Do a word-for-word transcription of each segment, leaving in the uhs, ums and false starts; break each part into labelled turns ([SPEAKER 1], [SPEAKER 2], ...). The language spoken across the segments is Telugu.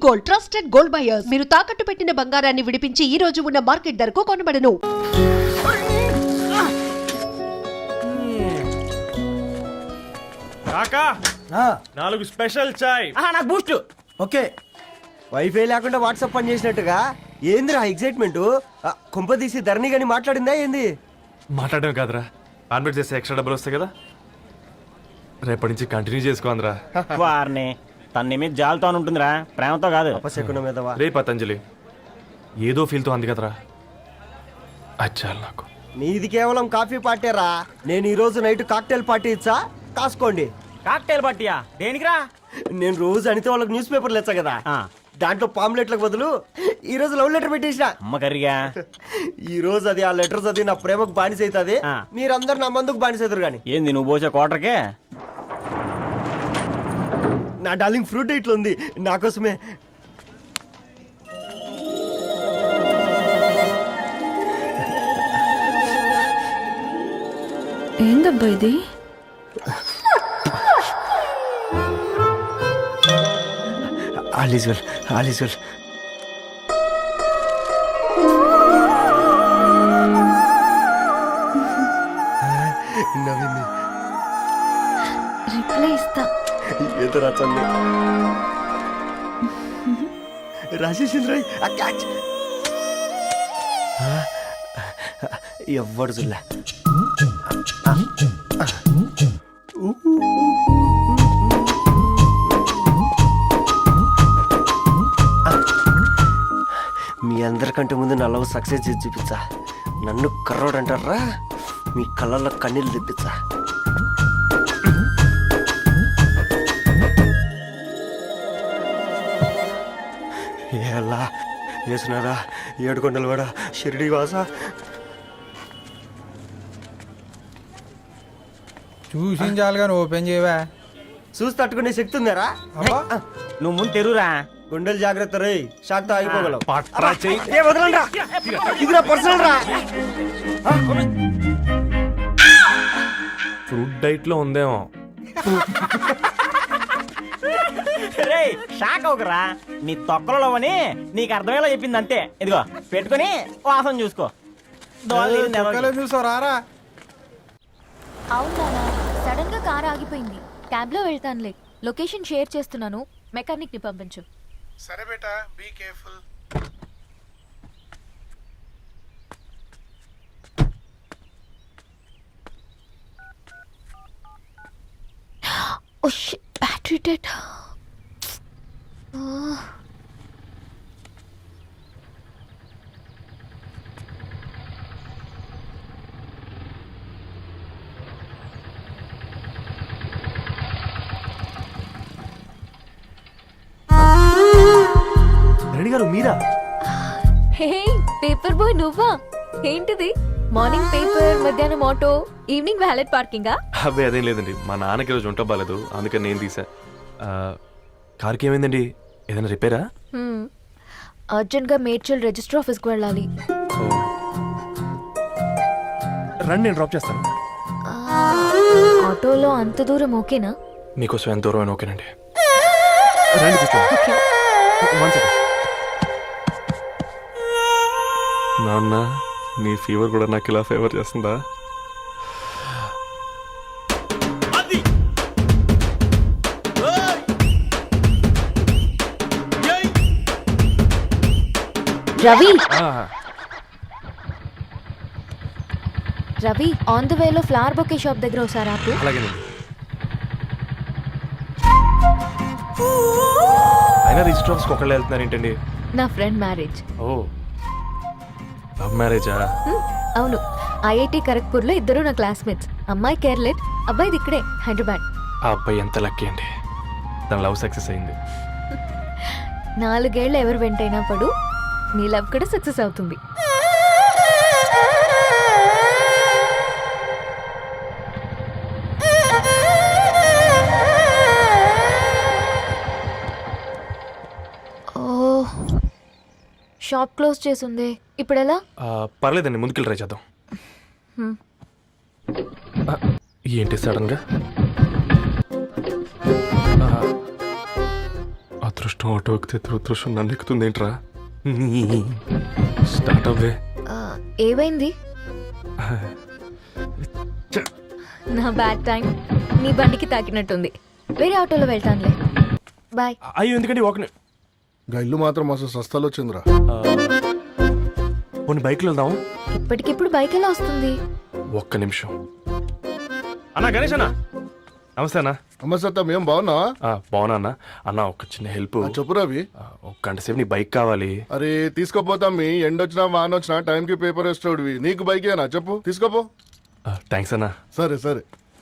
[SPEAKER 1] Gold, trusted gold buyers. మీరు తాకట్టు పెట్టిన బంగారాన్ని విడిపించి ఈ రోజు ఉన్న మార్కెట్ ధరకు కొనబడను.
[SPEAKER 2] కాకా నాలుగు స్పెషల్ చాయ్.
[SPEAKER 3] నాకు బూస్ట్.
[SPEAKER 4] ఓకే, వైఫై లేకుండా వాట్సాప్ పని చేసినట్టుగా ఏందిరా ఎగ్జైట్మెంట్? కుంప తీసి ధరణి గాని మాట్లాడిందా ఏంది?
[SPEAKER 2] మాట్లాడడం కాదురా, కాన్వర్ట్ చేస్తే ఎక్స్ట్రా డబ్బులు వస్తాయి కదా, రేపటి నుంచి కంటిన్యూ చేసుకోందిరా.
[SPEAKER 3] వారిని తన మీద జాలతో ఉంటుందిరా, ప్రేమతో కాదు.
[SPEAKER 4] అపశకునం మీదవా?
[SPEAKER 2] రే పతంజలి, ఏదో ఫీల్తో అంది కదరా, అచ్చాలి నాకు.
[SPEAKER 4] నీది కేవలం కాఫీ పార్టీరా. నేను ఈ రోజు నైట్ కాక్టైల్ పార్టీ ఇచ్చా, కాసుకోండి.
[SPEAKER 3] కాక్టైల్ పార్టీయా? దేనికిరా?
[SPEAKER 4] నేను రోజు అనితే వాళ్ళకి న్యూస్ పేపర్లు ఇచ్చా కదా,
[SPEAKER 3] ఆ.
[SPEAKER 4] దాంట్లో పాంప్లెట్లకు బదులు ఈ రోజు లవ్ లెటర్ పెట్టేసిన.
[SPEAKER 3] అమ్మ కర్రీగా.
[SPEAKER 4] ఈ రోజు అది ఆ లెటర్ చదివి నా ప్రేమకు బానిస అవుతుంది,
[SPEAKER 3] ఆ.
[SPEAKER 4] మీరందరు నా మందుకు బానిస అవుతారు. కానీ
[SPEAKER 3] ఏంది నువ్వు పోసే కోటర్కే?
[SPEAKER 4] నా డార్లింగ్ ఫ్రూట్ ఇట్లా ఉంది నా కోసమే.
[SPEAKER 5] ఏందబ్బా ఇది?
[SPEAKER 4] All is well, all is well. నవ్వింది.
[SPEAKER 5] రిప్లై ఇస్తా.
[SPEAKER 4] ఏదో రాచండి రాసేసింది రాయ్. ఆ క్యాచ్ ఎవ్వడు చూడలే. మీ అందరికంటే ముందు నా లవ్ సక్సెస్ చేసి చూపించా. నన్ను కర్రోడు అంటారా, మీ కళ్ళల్లో కన్నీళ్ళు తెప్పించా. ఎలా వేసినారా ఏడుకొండలు కూడా షిరిడి వాస.
[SPEAKER 6] చూసించాలి కానీ ఓపెన్ చేయవా?
[SPEAKER 4] చూసి తట్టుకునే శక్తి ఉందారా?
[SPEAKER 3] నువ్వు ముందు తెరురా.
[SPEAKER 4] గుండెలు జాగ్రత్త రే, షాక్తో ఆగిపోగలవు.
[SPEAKER 2] పట్రా చెయ్యి.
[SPEAKER 4] ఏ వదలండ్రా, ఇది నా పర్సనల్ రా.
[SPEAKER 2] ఫ్రూట్ డైట్ లో ఉందేమో.
[SPEAKER 3] రే షాక్ అవకరా, నీ తొక్కలలో అని నీకు అర్థమయ్యేలా చెప్పింది అంతే. ఇదిగో పెట్టుకుని వాసన చూసుకో.
[SPEAKER 6] చూసావు రారా?
[SPEAKER 5] అవునా, సడన్ గా కార్ ఆగిపోయింది. క్యాబ్ లో వెళ్తానులే. లొకేషన్ షేర్ చేస్తున్నాను, మెకానిక్ ని పంపించు.
[SPEAKER 6] సరే బేటా, be careful.
[SPEAKER 5] Oh shit, battery dead.
[SPEAKER 4] Reddy garu మీరా?
[SPEAKER 5] హే పేపర్ బాయ్, నువ్వా? ఏంటిది? మార్నింగ్ పేపర్, మధ్యాహ్నం ఆటో, ఈవినింగ్ వ్యాలెట్ పార్కింగా?
[SPEAKER 2] అబ్బాయి అదేం లేదండి, మా నాన్నకి రోజు ఉంట బాగాలేదు, అందుకని నేను తీసా. కార్కి ఏమైందండి? ఏదైనా రిపేరా?
[SPEAKER 5] అర్జెంట్ గా మేడ్చల్ రిజిస్టర్ ఆఫీస్ కు వెళ్ళాలి.
[SPEAKER 2] రండి, నేను డ్రాప్ చేస్తాను.
[SPEAKER 5] ఆటోలో అంత దూరం ఓకేనా?
[SPEAKER 2] మీకోసం ఎంత దూరం అయినా ఓకేనండి. రండి కూర్చోండి. One second. నాన్న, నీ ఫీవర్ కూడా నాకు ఇలా ఫేవర్ చేస్తుందా?
[SPEAKER 5] రవి రవి ఆన్ ద వేలో ఫ్లవర్ బొకే షాప్ దగ్గర ఒకసారి ఆపు.
[SPEAKER 2] అలాగేనండి. అయినా రిజిస్టర్ ఆఫీస్కి ఒకళ్ళు వెళ్తున్నారు ఏంటండి?
[SPEAKER 5] నా ఫ్రెండ్ మ్యారేజ్.
[SPEAKER 2] ఓ, లవ్ మ్యారేజా?
[SPEAKER 5] అవును, ఐఐటి ఖరగ్పూర్ లో ఇద్దరు నా క్లాస్మేట్స్. అమ్మాయి కేర్లెట్, అబ్బాయిది ఇక్కడే హైదరాబాద్.
[SPEAKER 2] ఆ అబ్బాయి ఎంత లక్కీ అండి, తన లవ్ సక్సెస్ అయింది.
[SPEAKER 5] నాలుగేళ్ళు ఎవరు వెంటైనా పడు, నీ లవ్ కూడా సక్సెస్ అవుతుంది. ఓ, షాప్ క్లోజ్ చేసింది, ఇప్పుడు ఎలా?
[SPEAKER 2] పర్లేదండి, ముందుకెళ్ళి ట్రై చేద్దాం. ఏంటి సడన్ గా? అదృష్టం అదృష్టం ఆటో ఎక్కితే దురదృష్టం నన్ను ఎక్కుతుంది ఏంట్రా స్టార్ట్ అవ్వే
[SPEAKER 5] ఆ, ఏమైంది నా బ్యాడ్ టైం నీ బండికి తాకినట్టుంది వేరే ఆటోలో వెళ్తానులే బాయ్.
[SPEAKER 2] అయ్యో ఎందుకండి ఒక
[SPEAKER 7] గా ఇల్లు మాత్రం అసలు సస్తాలు వచ్చిందిరా.
[SPEAKER 2] కొన్ని బైక్లో వెళ్దాం.
[SPEAKER 5] ఇప్పటికిప్పుడు బైక్ ఎలా వస్తుంది?
[SPEAKER 2] ఒక్క నిమిషం అన్నా గణేష్ అన్న నమస్తే అన్న.
[SPEAKER 7] నమస్తే ఏం బాగున్నావా?
[SPEAKER 2] ఆ, బాగున్నా అన్న. అన్న ఒక చిన్న హెల్ప్.
[SPEAKER 7] ఆ, చెప్పు రవి.
[SPEAKER 2] ఒక గంట సేపు నీ బైక్ కావాలి.
[SPEAKER 7] అరే తీసుకోపోతాం మీ ఎండొచ్చినా వాన వచ్చినా టైంకి పేపర్ వేస్తాడువి నీకు బైకేనా చెప్పు తీసుకోపో.
[SPEAKER 2] థ్యాంక్స్ అన్న.
[SPEAKER 7] సరే సరే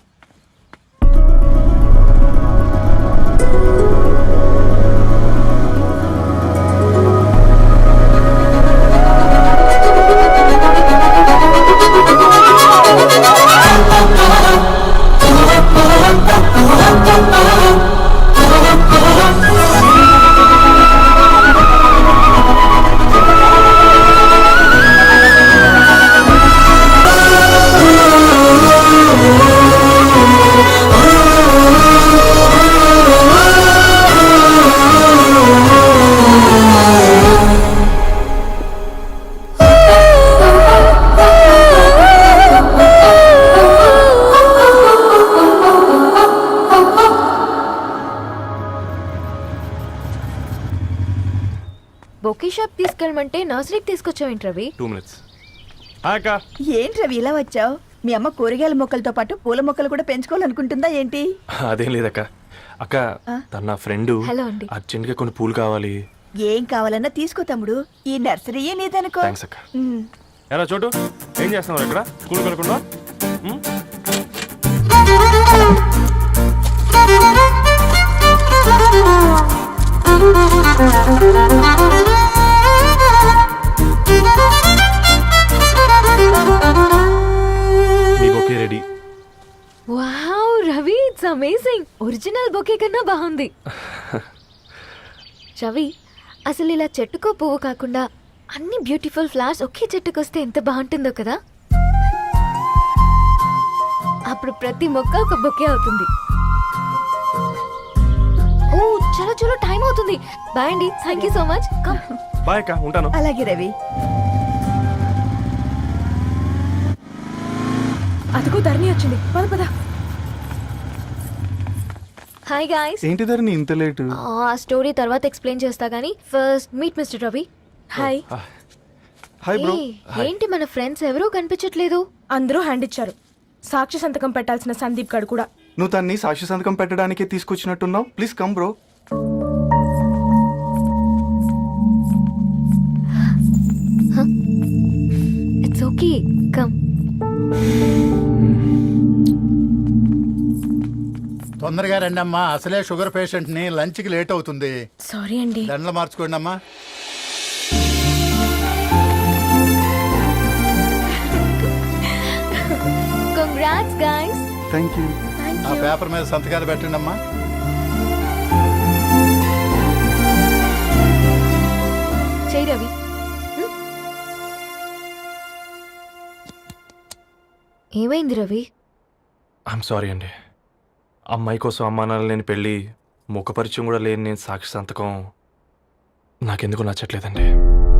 [SPEAKER 5] బొకే షాప్ తీసుకెళ్ళమంటే నర్సరీకి తీసుకొచ్చావేంటి రవి?
[SPEAKER 2] టూ మినిట్స్ అక్క.
[SPEAKER 8] ఏంటి రవి ఇలా వచ్చావు? మీ అమ్మ కూరగాయల మొక్కలతో పాటు పూల మొక్కలు కూడా పెంచుకోవాలనుకుంటుందా ఏంటి?
[SPEAKER 2] అదేం లేదక్క. అక్క తన నా ఫ్రెండ్
[SPEAKER 5] హలో అండి.
[SPEAKER 2] అర్జెంట్ గా కొన్ని పూలు కావాలి.
[SPEAKER 8] ఏం కావాలన్నా తీసుకో తమ్ముడు, ఈ నర్సరీయే నీదనుకో.
[SPEAKER 2] థ్యాంక్స్ అక్క.
[SPEAKER 8] ఉమ్.
[SPEAKER 2] ఎలా చోటు ఏం చేస్తున్నావు ఇక్కడ స్కూల్ కనుకుండా? మీ bouquet ready.
[SPEAKER 5] Wow Ravi, it's amazing. Original bouquet కన్నా బాగుంది. రవి, అసలు ఇలా చెట్టుకో పువ్వు కాకుండా అన్ని బ్యూటిఫుల్ ఫ్లవర్స్ ఒకే చెట్టుకు వస్తే ఎంత బాగుంటుందో కదా. అప్పుడు ప్రతి మొక్క ఒక బొకే అవుతుంది. ఓ చలో చలో టైం అవుతుంది. బాయ్ అండి, thank you so much. Come.
[SPEAKER 2] Bye అక్క, ఉంటాను.
[SPEAKER 8] అలాగే రవి.
[SPEAKER 9] అదిగో ధరణి వచ్చింది, పద పద.
[SPEAKER 5] Hi guys.
[SPEAKER 10] ఏంటి ధరణి ఇంత లేటు?
[SPEAKER 5] ఆ స్టోరీ తర్వాత ఎక్స్ప్లెయిన్ చేస్తా గానీ first meet mister Ravi.
[SPEAKER 9] Hi.
[SPEAKER 10] Hi bro.
[SPEAKER 5] ఏ, ఏంటి మన ఫ్రెండ్స్ ఎవరూ కనిపించట్లేదు?
[SPEAKER 9] అందరూ హ్యాండ్ ఇచ్చారు. సాక్షి సంతకం పెట్టాల్సిన సందీప్ గడు కూడా.
[SPEAKER 10] నువ్వు తన్ని సాక్షి సంతకం పెట్టడానికే తీసుకొచ్చినట్టున్నావు. Please come bro.
[SPEAKER 5] It's okay, come.
[SPEAKER 11] తొందరగా రండి అమ్మా, అసలే షుగర్ పేషెంట్ ని లంచ్ కి లేట్ అవుతుంది.
[SPEAKER 9] సారీ అండి.
[SPEAKER 11] దండలు మార్చుకోండి అమ్మా.
[SPEAKER 5] Congrats guys.
[SPEAKER 10] Thank you.
[SPEAKER 11] ఆ పేపర్ మీద సంతకాలు పెట్టండి అమ్మా.
[SPEAKER 5] చెయ్యి రవి. హ్మ్? ఏమైంది రవి?
[SPEAKER 2] ఐఎమ్ సారీ అండి. అమ్మాయి కోసం అమ్మా నాన్న లేని పెళ్ళి, ముఖ పరిచయం కూడా లేని నేను సాక్షి సంతకం నాకెందుకు నచ్చట్లేదండి.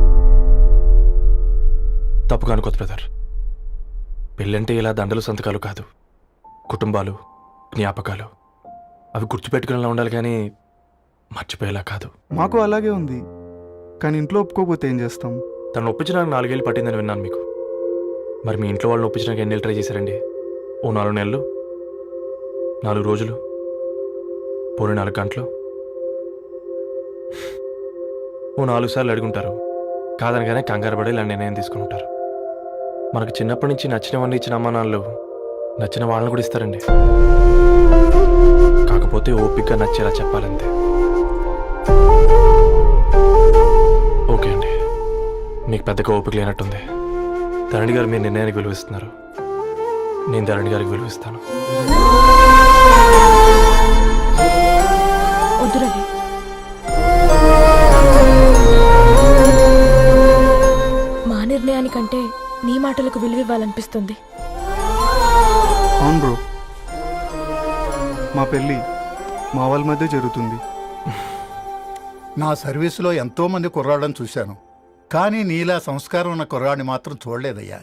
[SPEAKER 2] తప్పుగా అనుకోదు బ్రదర్. పెళ్ళంటే ఇలా దండలు సంతకాలు కాదు, కుటుంబాలు, జ్ఞాపకాలు. అవి గుర్తుపెట్టుకునేలా ఉండాలి కానీ మర్చిపోయేలా కాదు.
[SPEAKER 10] మాకు అలాగే ఉంది, కానీ ఇంట్లో ఒప్పుకోకపోతే ఏం చేస్తాం?
[SPEAKER 2] తను ఒప్పించడానికి నాలుగేళ్ళు పట్టిందని విన్నాను మీకు. మరి మీ ఇంట్లో వాళ్ళని ఒప్పించడానికి ఎన్ని ట్రై చేశారండి? ఓ నాలుగు నెలలు, నాలుగు రోజులు, పోనీ నాలుగు గంటలు, ఓ నాలుగు సార్లు అడుగుంటారు. కాదనగానే కంగారు పడి ఇలా నిర్ణయం తీసుకుని ఉంటారు. మనకు చిన్నప్పటి నుంచి నచ్చినవన్నీ ఇచ్చిన అమ్మా నాన్నలు నచ్చిన వాళ్ళని కూడా ఇస్తారండి. కాకపోతే ఓపికగా నచ్చేలా చెప్పాలంతే. ఓకే అండి, మీకు పెద్దగా ఓపిక లేనట్టుంది. ధరణి గారు మీ నిర్ణయానికి విలువిస్తున్నారు, నేను ధరణి గారికి విలువిస్తాను.
[SPEAKER 9] వద్దు రవి. మా నిర్ణయానికంటే నీ మాటలకు విలువ ఇవ్వాలనిపిస్తుంది.
[SPEAKER 10] అవును బ్రో, మా పెళ్ళి మా వాళ్ళ మధ్య జరుగుతుంది.
[SPEAKER 11] నా సర్వీసులో ఎంతో మంది కుర్రాళ్ళని చూశాను కానీ నీలా సంస్కారం ఉన్న కుర్రాడిని మాత్రం చూడలేదయ్యా.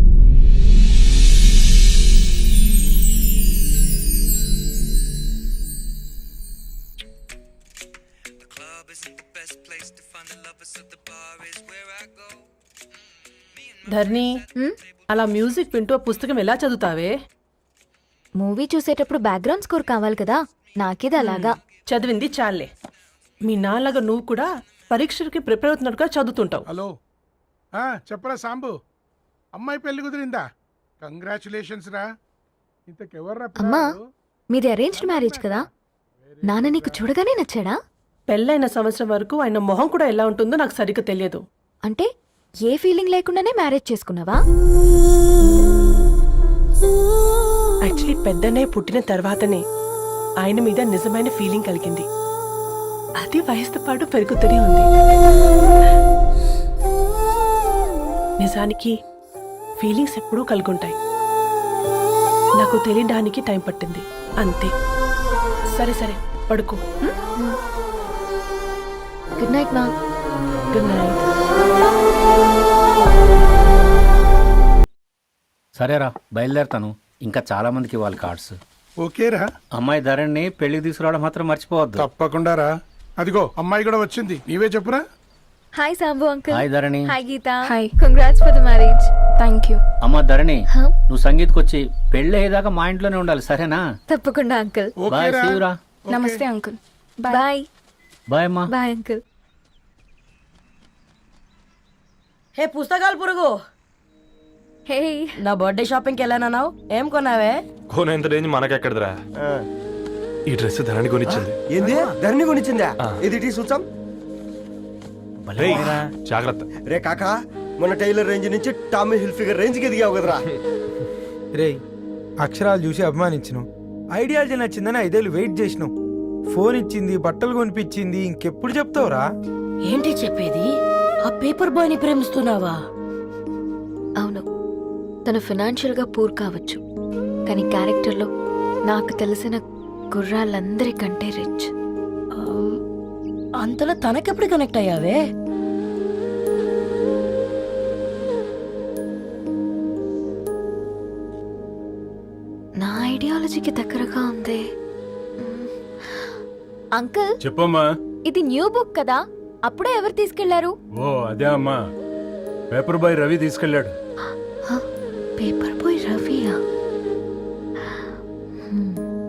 [SPEAKER 9] ధర్ని అలా మ్యూజిక్ వింటూ పుస్తకం ఎలా చదువుతావే?
[SPEAKER 5] మూవీ చూసేటప్పుడు బ్యాక్గ్రౌండ్ స్కోర్ కావాలి కదా, నాకేది అలాగా.
[SPEAKER 9] చదివింది చాలే. మీ నాన్నగా నువ్వు కూడా పరీక్షలకి ప్రిపేర్ అవుతున్నట్టుగా చదువుతుంటావు.
[SPEAKER 6] హలో ఆ, చెప్పరా సాంబు, అమ్మాయి పెళ్లి కుదిరిందా? కంగ్రాచులేషన్స్ రా. ఇంతకెవర్రా
[SPEAKER 5] అమ్మా,
[SPEAKER 6] పిల్లాడు?
[SPEAKER 5] మీది అరేంజ్డ్ మ్యారేజ్ కదా, నాన్న నీకు చూడగానే నచ్చాడా?
[SPEAKER 9] పెళ్ళైన సంవత్సరం వరకు ఆయన మొహం కూడా ఎలా ఉంటుందో నాకు సరిగ్గా తెలియదు.
[SPEAKER 5] అంటే ఏ ఫీలింగ్ లేకుండానే మ్యారేజ్ చేసుకున్నావా?
[SPEAKER 9] యాక్చువల్లీ పెద్దనే పుట్టిన తర్వాతనే ఆయన మీద నిజమైన ఫీలింగ్ కలిగింది. అది వయసుతో పాటు పెరుగుతూనే ఉంది. నిజానికి ఫీలింగ్స్ ఎప్పుడూ కలుగుంటాయి. నాకు తెలియడానికి టైం పట్టింది అంతే. సరే సరే పడుకో.
[SPEAKER 5] గుడ్ నైట్ మా.
[SPEAKER 9] Good night.
[SPEAKER 3] సరేరా, బయలుదేరుతాను. ఇంకా చాలా మందికి ఇవ్వాలి కార్డ్స్.
[SPEAKER 6] ఓకేరా,
[SPEAKER 3] అమ్మాయి ధరణి పెళ్లికి తీసుకురావడం మాత్రం మర్చిపోవద్దు.
[SPEAKER 6] తప్పకుండా రా. అదిగో అమ్మాయి కూడా వచ్చింది, నీవే చెప్పురా.
[SPEAKER 5] Hi Sambu uncle.
[SPEAKER 3] Hi Dharani.
[SPEAKER 5] Hi Geeta. Hi. Congrats for the marriage.
[SPEAKER 9] Thank you.
[SPEAKER 3] అమ్మ ధరణి, నువ్వు సంగీత్కి వచ్చి పెళ్లి అయ్యేదాకా మా ఇంట్లోనే ఉండాలి, సరేనా?
[SPEAKER 5] తప్పకుండా అంకుల్.
[SPEAKER 3] బాయ్,
[SPEAKER 6] ఓకేరా.
[SPEAKER 3] see you రా.
[SPEAKER 9] నమస్తే అంకుల్.
[SPEAKER 5] బాయ్.
[SPEAKER 3] బాయ్ అమ్మా.
[SPEAKER 5] Bye uncle.
[SPEAKER 9] హే పుస్తకాలు పురుగు,
[SPEAKER 5] హే
[SPEAKER 9] నా బర్త్డే షాపింగ్కి వెళ్ళానన్నావు, ఏం కొన్నావే?
[SPEAKER 2] కోనేంత రేంజ్ మనకెక్కడదిరా. ఈ డ్రెస్ ధరణి కొనిచ్చింది.
[SPEAKER 4] ఏంది ధరణి కొనిచ్చిందా? ఇది టీ సూచం.
[SPEAKER 2] రేయ్, జాగ్రత్త.
[SPEAKER 4] రే కాకా, మన టైలర్ రేంజ్ నుంచి టామీ హిల్ఫిగర్ రేంజ్ కి ఎదిగావు కదరా.
[SPEAKER 6] రే, అక్షరాలు చూసి అభిమానించను, ఐడియాలజీ నచ్చిందని ఐదేళ్ళు వెయిట్ చేసినావు. ఫోన్ ఇచ్చింది, బట్టలు కొనిపించింది, ఇంకెప్పుడు చెప్తావురా?
[SPEAKER 9] ఏంటి చెప్పేది? ఆ పేపర్ బాయ్ ని ప్రేమిస్తున్నావా?
[SPEAKER 5] అవును, తను ఫినాన్షియల్ గా పూర్ కావచ్చు, కానీ క్యారెక్టర్లో నాకు తెలిసిన గుర్రాలందరికంటే రిచ్.
[SPEAKER 9] అంతలో తనకెప్పుడు కనెక్ట్ అయ్యావే?
[SPEAKER 5] నా ఐడియాలజీకి దగ్గరగా ఉంది. మ్మ్. అంకుల్,
[SPEAKER 6] చెప్పమ్మా.
[SPEAKER 5] ఇది న్యూ బుక్ కదా, అప్పుడే ఎవరు తీసుకెళ్లారు?
[SPEAKER 6] ఓ అదే అమ్మా, పేపర్ బాయ్ రవి తీసుకెళ్ళాడు.
[SPEAKER 5] హ, పేపర్ బాయ్ రవియా? హ్మ్.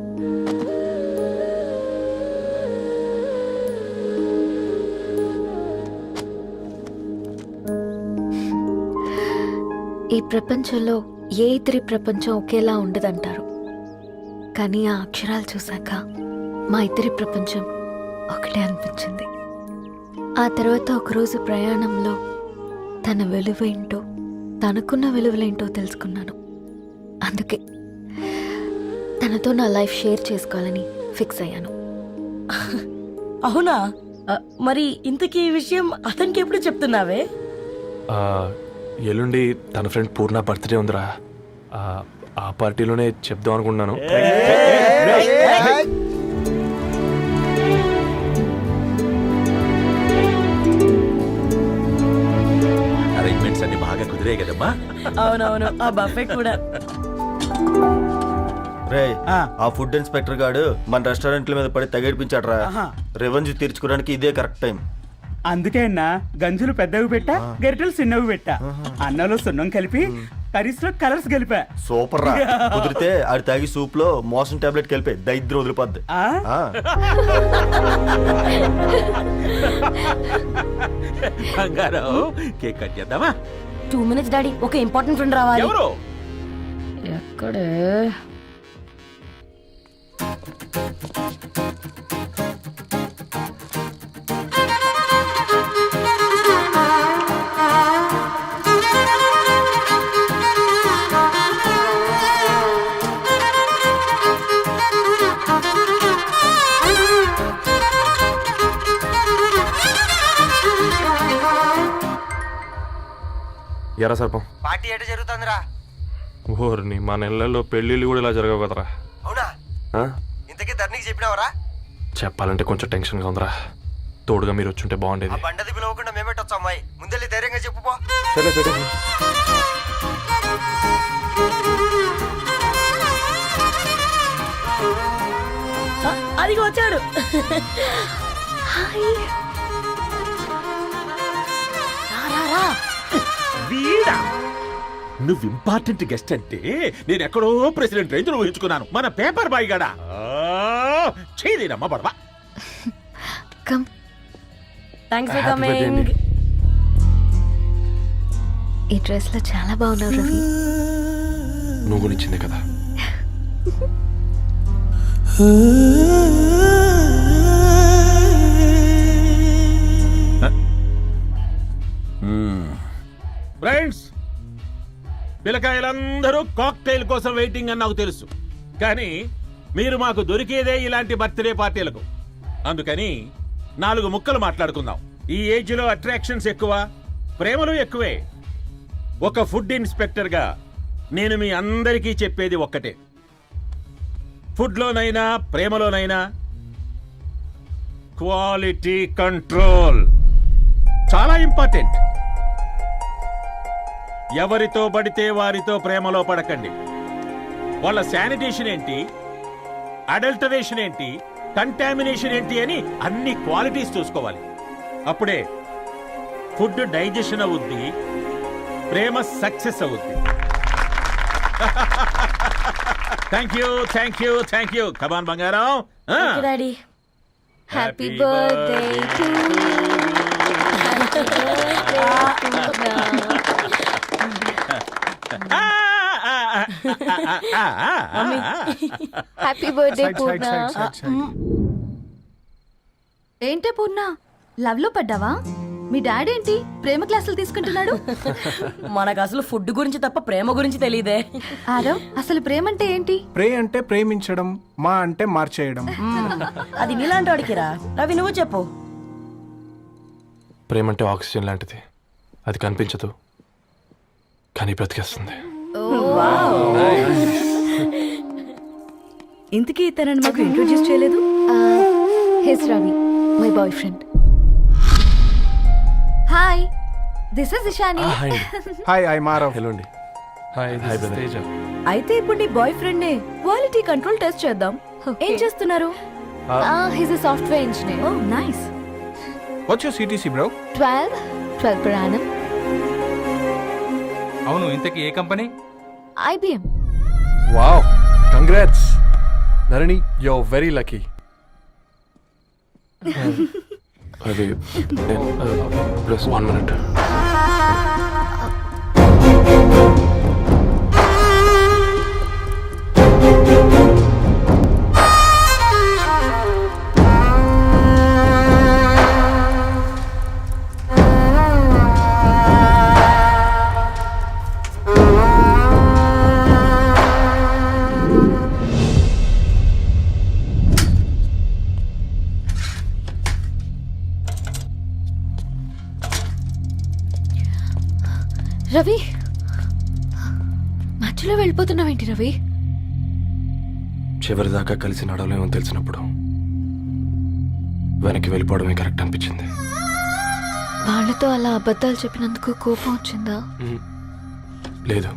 [SPEAKER 5] ఈ ప్రపంచంలో ఏ ఇద్దరి ప్రపంచం ఒకేలా ఉండదంటారు, కానీ ఆ అక్షరాలు చూశాక మా ఇద్దరి ప్రపంచం ఒకటే అనిపించింది. ఆ తర్వాత ఒకరోజు ప్రయాణంలో తన విలువేంటో, తనకున్న విలువలేంటో తెలుసుకున్నాను. అందుకే తనతో నా లైఫ్ షేర్ చేసుకోవాలని ఫిక్స్ అయ్యాను.
[SPEAKER 9] అవునా? మరి ఇంతకీ ఈ విషయం అతనికి ఎప్పుడు చెప్తున్నావే?
[SPEAKER 2] ఆ, ఎల్లుండి తన ఫ్రెండ్ పూర్ణ బర్త్డే ఉందిరా. ఆ, ఆ పార్టీలోనే చెప్దాం అనుకున్నాను.
[SPEAKER 3] అరేంజ్మెంట్స్ అన్ని బాగా కుదిరే కదమ్మా.
[SPEAKER 9] అవునవును, ఆ బఫే కూడా.
[SPEAKER 4] రే, ఆ ఫుడ్ ఇన్స్పెక్టర్ గాడు మన రెస్టారెంట్ల మీద పడి తగేడిపించాడ్రా. రెవెన్యూ తీర్చుకోవడానికి ఇదే కరెక్ట్ టైం.
[SPEAKER 3] అందుకే అన్న గంజులు పెద్దవి పెట్టా, గరిటెలు చిన్నవి పెట్టా. అన్నంలో సున్నం కలిపి కర్రీస్ లో కలర్స్ కలిపా.
[SPEAKER 4] సూపర్ రా. కుదిరితే ఆడి తాగి సూప్ లో మోషన్ టాబ్లెట్ కలిపే దైద్యం వదిలిపోద్ది. ఆ.
[SPEAKER 3] కేక్ కట్ చేద్దామా?
[SPEAKER 9] టూ మినిట్స్ డాడీ, ఒక ఇంపార్టెంట్ ఫ్రెండ్ రావాలి. ఎక్కడే?
[SPEAKER 2] ఎరా సర్పం,
[SPEAKER 4] పార్టీ ఎట జరుగుతుందిరా?
[SPEAKER 2] ఓర్ని మా నెలల్లో పెళ్ళిళ్ళు కూడా ఇలా జరగవు కదరా.
[SPEAKER 4] అవునా?
[SPEAKER 2] ఆ?
[SPEAKER 4] ఇంతకీ ధరణికి చెప్పినావరా?
[SPEAKER 2] చెప్పాలంటే కొంచెం టెన్షన్గా ఉందిరా. తోడుగా మీరు వచ్చుంటే
[SPEAKER 4] ఆ
[SPEAKER 2] బాగుండేది.
[SPEAKER 4] బండది పిలవకుండా మేమెట్టొచ్చు అమ్మాయి, ముందెళ్ళి ధైర్యంగా చెప్పుపో.
[SPEAKER 2] సరే పెట్టండి.
[SPEAKER 9] అదిగో వచ్చాడు.
[SPEAKER 12] వీడా నువ్వు ఇంపార్టెంట్ గెస్ట్ అంటే నేను ఎక్కడో ప్రెసిడెంట్ రేంజ్ లో ఊహించుకున్నాను. మన పేపర్ బాయ్ గడా చేయలేనమ్మా బడవా.
[SPEAKER 5] Come.
[SPEAKER 9] Thanks for
[SPEAKER 2] Happy birthday
[SPEAKER 9] coming.
[SPEAKER 2] అండి.
[SPEAKER 5] ఈ డ్రెస్ లో చాలా బాగున్నావు రవి.
[SPEAKER 2] నువ్వు గురించిందే కదా.
[SPEAKER 12] ఫ్రెండ్స్, పిల్లకాయలందరూ కాక్టైల్ కోసం వెయిటింగ్ అని నాకు తెలుసు. కానీ మీరు మాకు దొరికేదే ఇలాంటి బర్త్డే పార్టీలకు. అందుకని నాలుగు ముక్కలు మాట్లాడుకుందాం. ఈ ఏజ్ లో అట్రాక్షన్స్ ఎక్కువ, ప్రేమలు ఎక్కువే. ఒక ఫుడ్ ఇన్స్పెక్టర్ గా నేను మీ అందరికీ చెప్పేది ఒక్కటే, ఫుడ్లోనైనా ప్రేమలోనైనా క్వాలిటీ కంట్రోల్ చాలా ఇంపార్టెంట్. ఎవరితో పడితే వారితో ప్రేమలో పడకండి. వాళ్ళ శానిటేషన్ ఏంటి, అడల్టరేషన్ ఏంటి, కంటామినేషన్ ఏంటి అని అన్ని క్వాలిటీస్ చూసుకోవాలి. అప్పుడే ఫుడ్ డైజెషన్ అవుద్ది, ప్రేమ సక్సెస్ అవుద్ది. Thank you thank you thank you. Come on బంగారం.
[SPEAKER 9] Daddy
[SPEAKER 5] happy birthday to happy birthday Poorna.
[SPEAKER 8] ఏంటే పూర్ణ, లవ్ లో పడ్డావా? మీ డాడీ ఏంటి ప్రేమ క్లాసులు తీసుకుంటున్నాడు?
[SPEAKER 9] మనకు అసలు ఫుడ్ గురించి తప్ప ప్రేమ గురించి తెలియదే.
[SPEAKER 8] ఆరవ్, అసలు ప్రేమ అంటే ఏంటి?
[SPEAKER 10] ప్రే అంటే ప్రేమించడం, మా అంటే మార్చేయడం.
[SPEAKER 9] అది నీలాంటి వాడికిరా. రవి నువ్వు చెప్పు.
[SPEAKER 2] ప్రేమ అంటే ఆక్సిజన్ లాంటిది. అది కనిపించదు కానీ బ్రతికేస్తుంది.
[SPEAKER 8] ఇంతకీ తనని మాకు ఇంట్రొడ్యూస్ చేయలేదు.
[SPEAKER 5] He's Ravi, my boy friend.
[SPEAKER 8] Hi, this is Ishani.
[SPEAKER 2] Hi
[SPEAKER 10] hi I మారవ్.
[SPEAKER 2] హలో అండి. Hi hi Teja.
[SPEAKER 8] అయితే ఇప్పుడు నీ బాయ్ ఫ్రెండ్ నే క్వాలిటీ కంట్రోల్ టెస్ట్ చేద్దాం. ఏం చేస్తున్నారు?
[SPEAKER 5] He's a software engineer.
[SPEAKER 8] Oh nice.
[SPEAKER 10] What's your CTC bro?
[SPEAKER 5] Twelve twelve per annum.
[SPEAKER 6] అవును, ఇంతకీ ఏ కంపెనీ?
[SPEAKER 5] I B M.
[SPEAKER 2] Wow, congrats Dharani, you are very lucky. అది ప్లస్ వన్ మినిట్.
[SPEAKER 5] రవి, మధ్యలో వెళ్ళిపోతున్నావేంటి రవి?
[SPEAKER 2] చివరిదాకా కలిసి నడవలేమని తెలిసినప్పుడు వెనక్కి వెళ్ళిపోవడమే కరెక్ట్ అనిపించింది.
[SPEAKER 5] వాళ్ళతో అలా అబద్ధాలు చెప్పినందుకు కోపం వచ్చిందా?
[SPEAKER 2] మ్మ్. లేదు,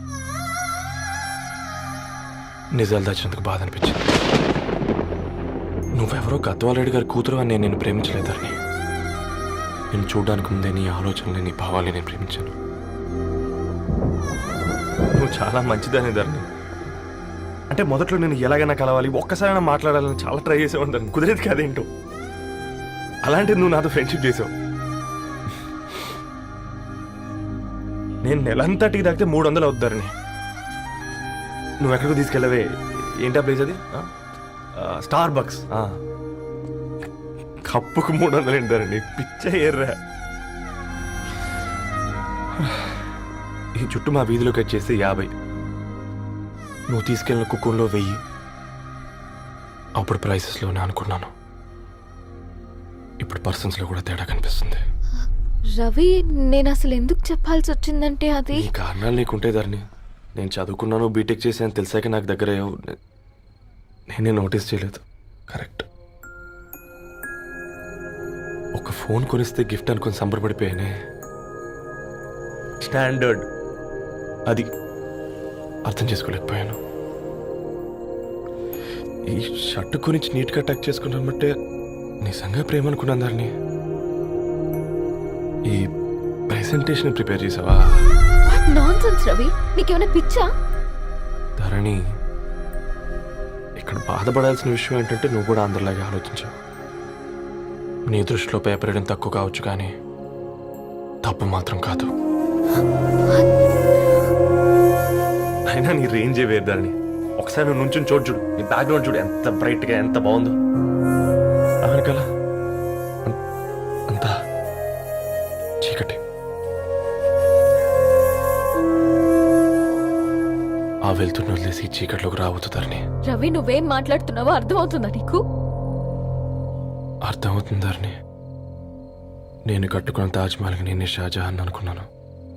[SPEAKER 2] నిజాలు దాచినందుకు బాధ అనిపించింది. నువ్వెవరో గద్వాలరెడ్డి గారి కూతురు అని నేను నిన్ను ప్రేమించలేదని. నేను చూడడానికి ముందే నీ ఆలోచనలు, నీ భావాలని నేను ప్రేమించాను. నువ్వు చాలా మంచిదని ధరణి. అంటే మొదట్లో నేను ఎలాగైనా కలవాలి, ఒక్కసారైనా మాట్లాడాలని చాలా ట్రై చేసేవాడిని ధరణి. కుదిరేది కాదేంటో. అలాంటిది నువ్వు నాతో ఫ్రెండ్షిప్ చేసావు. నేను నెలంతటికి తాగితే మూడు వందలు అవుతారని నువ్వు ఎక్కడికి తీసుకెళ్ళవే. ఏంటా ప్లేస్ అది? Star bucks. కప్పుకు మూడు వందలు ఏంటారండి, పిచ్చ ఎర్రా. ఈ చుట్టూ మా వీధిలోకి వచ్చేస్తే యాభై, నువ్వు తీసుకెళ్ళిన కుక్కర్లో వెయ్యి. అప్పుడు ప్రైసెస్లోనే అనుకున్నాను, ఇప్పుడు పర్సన్స్లో కూడా తేడా కనిపిస్తుంది.
[SPEAKER 5] రవి, నేను అసలు ఎందుకు చెప్పాల్సి వచ్చిందంటే అది
[SPEAKER 2] ఈ కారణాలు నీకుంటే ధరణి. నేను చదువుకున్నాను, బీటెక్ చేశాను తెలిసాక నాకు దగ్గర అయ్యావు. నేనే నోటీస్ చేయలేదు. కరెక్ట్. ఒక ఫోన్ కొనిస్తే గిఫ్ట్ అనుకుని సంబరపడిపోయానే. స్టాండర్డ్ అది అర్థం చేసుకోలేకపోయాను. ఈ షర్ట్ గురించి నీట్గా టక్ చేసుకున్నామంటే నిజంగా ప్రేమ అనుకున్నాను దాన్ని. ఈ ప్రెజెంటేషన్ ప్రిపేర్ చేసావా?
[SPEAKER 5] నాన్సెన్స్ రవి, నీకేమైనా పిచ్చా?
[SPEAKER 2] ధరణి, ఇక్కడ బాధపడాల్సిన విషయం ఏంటంటే నువ్వు కూడా అందరిలాగే ఆలోచించావు. నీ దృష్టిలో పేపర్ వేయడం తక్కువ కావచ్చు, కానీ తప్పు మాత్రం కాదు. అయినా నీ రేంజే వేరు ధరణి. ఒకసారి నువ్వు నుంచుని చోటు చూడు, నీ బ్యాక్గ్రౌండ్ చూడు ఎంత బ్రైట్గా ఎంత బాగుందో. అవునుకలా అంతా చీకటి. ఆ వెళ్తున్న వదిలేసి చీకట్లోకి రాబోతుందని.
[SPEAKER 5] రవి, నువ్వేం మాట్లాడుతున్నావో అర్థమవుతుందా నీకు?
[SPEAKER 2] అర్థమవుతుందని నేను కట్టుకున్న తాజ్మహల్కి నేనే షాజహాన్ అనుకున్నాను.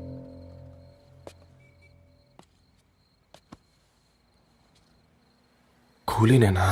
[SPEAKER 2] కూలీనేనా?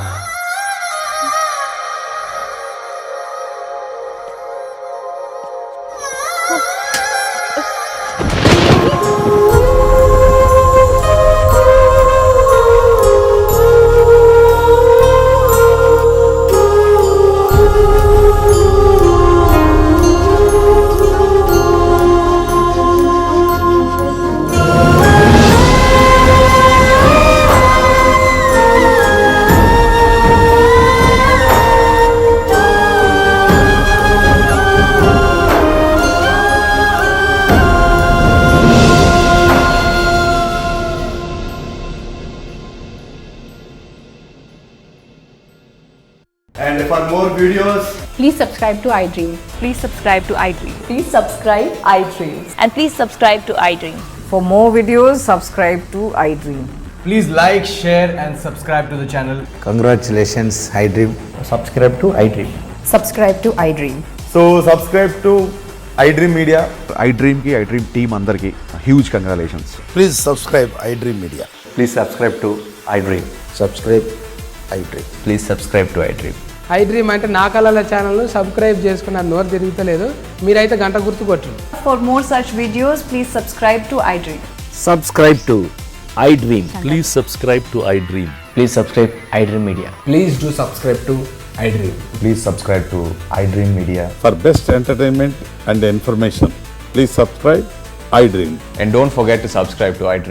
[SPEAKER 10] And for more videos,
[SPEAKER 9] Please subscribe to iDream.
[SPEAKER 8] Please subscribe to iDream.
[SPEAKER 9] Please subscribe iDream.
[SPEAKER 8] And please subscribe to iDream.
[SPEAKER 9] For more videos, subscribe to iDream.
[SPEAKER 10] please like, share, and subscribe to the channel.
[SPEAKER 4] Congratulations iDream.
[SPEAKER 10] Subscribe to iDream.
[SPEAKER 9] Subscribe to iDream.
[SPEAKER 10] So subscribe to iDream Media.
[SPEAKER 11] iDream కి iDream టీమ్ అందరికి huge congratulations.
[SPEAKER 4] Please subscribe iDream media.
[SPEAKER 10] Please subscribe to iDream.
[SPEAKER 4] సబ్స్క్రైబ్ iDream.
[SPEAKER 10] Please subscribe to iDream.
[SPEAKER 9] IDream అంటే నా కళల ఛానల్ను సబ్స్క్రైబ్ చేసుకున్న నోరు తిరుగుతలేదు. మీరైతే గంట గుర్తు కొట్టు.
[SPEAKER 8] For more such videos, please subscribe to iDream.
[SPEAKER 3] Subscribe to iDream. Please subscribe to iDream. Please subscribe iDream media.
[SPEAKER 10] Please do subscribe to iDream.
[SPEAKER 11] Please subscribe to iDream media.
[SPEAKER 7] For best entertainment and information, please subscribe iDream.
[SPEAKER 10] And don't forget to subscribe to iDream.